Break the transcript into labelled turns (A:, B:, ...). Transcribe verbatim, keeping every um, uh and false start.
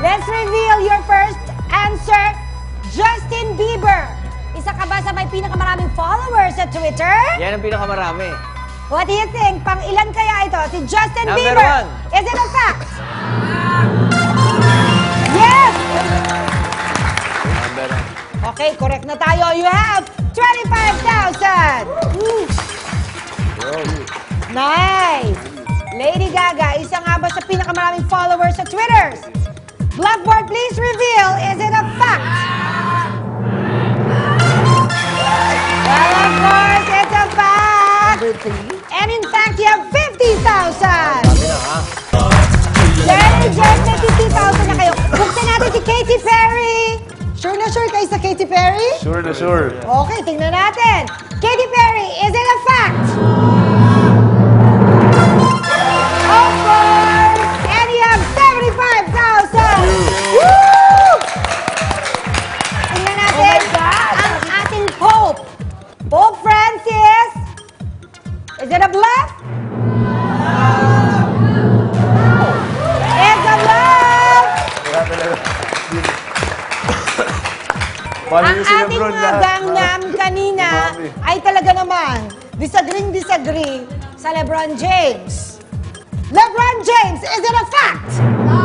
A: Let's reveal your first answer. Justin Bieber. Isa ka ba sa may pinakamaraming followers sa Twitter?
B: Yan ang pinakamarami.
A: What do you think? Pang ilan kaya ito? Si Justin
B: Number
A: Bieber.
B: one.
A: Is it a fact? Yes!
B: Number one.
A: Okay, correct na tayo. You have twenty-five thousand. Nice! Lady Gaga, isa nga ba sa pinakamaraming followers sa Twitter? Blackboard, please reveal, is it a fact? Well, of course, it's a fact! And in fact, you have fifty thousand!
B: Sabi na ha.
A: Jenny, Jen, may fifty thousand na kayo. Buksan natin si Katy Perry! Sure na sure kayo sa Katy Perry?
C: Sure na sure.
A: Okay, tingnan natin. Katy Perry, is it a fact? Of course! And you have seventy-five thousand! Woo! Tingnan natin ang ating Pope. Pope Francis. Is it a bluff? It's a bluff! Ang ating mga gangnam kanina ay talaga naman disagree-disagree sa LeBron James. LeBron James, is it a fact?